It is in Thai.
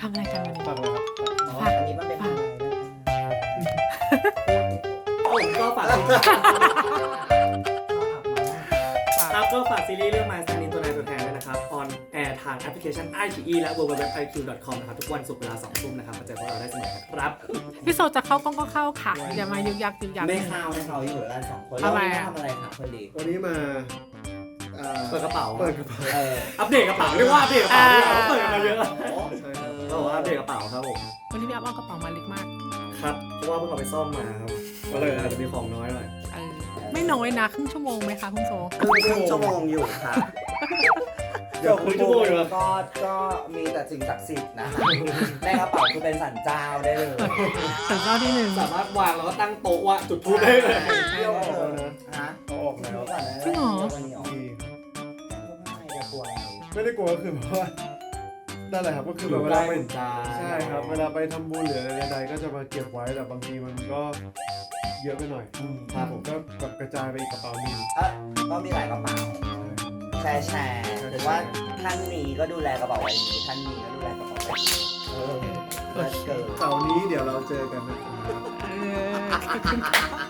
ทำอะไรกันวันนี้ฝากเลยครับอันนี้มันเป็นอะไรผมก็ฝากครับก็ฝากซีรีส์เรื่อง My Stand-in ตัวนายตัวแทนด้วยนะครับ on air ทางแอปพลิเคชัน iQIYI และ www.iq.com นะครับทุกวันศุกร์เวลา 2 ทุ่มนะครับมาเจอพวกเราได้เสมอครับพี่โซจะเข้ากล้องก็เข้าค่ะอย่ามายึกยักยึกยักไม่เข้าอยู่กันสองคนทำไมเราอะทำอะไรครับคนดีวันนี้มาเปิดกระเป๋าเปิดกระเป๋าอัปเดตกระเป๋าเรียกว่าอัปเดตกระเป๋าดีกว่าเปิดกันมาเยอะใช่ครับก็บอกว่าอัปเดตกระเป๋าครับผมวันนี้พี่อัพเอากระเป๋ามาเล็กมากครับเพราะว่าเพิ่งเอาไปซ่อมมาครับก็เลยอาจจะมีของน้อยหน่อยไม่น้อยนะครึ่งชั่วโมงไหมคะคุณโซครึ่งชั่วโมงอยู่ค่ะเดี๋ยวครึ่งชั่วโมงอยู่แล้วก็มีแต่สิ่งศักดิ์สิทธิ์นะคะในกระเป๋าคือเป็นสันเจ้าได้เลยถึงรอบที่หนึ่งสามารถวางแล้วก็ตั้งโต๊ะว่าจุดทูบได้เลยเที่ยวเลยฮะเอาออกแล้วก่อนนะจริงเหรอวันนี้ออกดีไม่กลัวอะไรไม่ได้กลัวก็คือแบบว่านั่นแหละครับก็คือแบบเวลาไปใจใช่ครับเวลาไปทำบุญหรืออะไรใดๆก็จะมาเก็บไว้แต่บางทีมันก็เยอะไปหน่อยครับผมก็แบบกระจายไปอีกกระเป๋าหนึงก็มีหลายกระเป๋าแชร์หรือว่าท่านนี้ก็ดูแลกระเป๋าไว้นี้ท่านนี้ก็ดูแลกระเป๋าไว้นี้เลิศเกินเสาร์นี้เดี๋ยวเราเจอกันนะครับเออ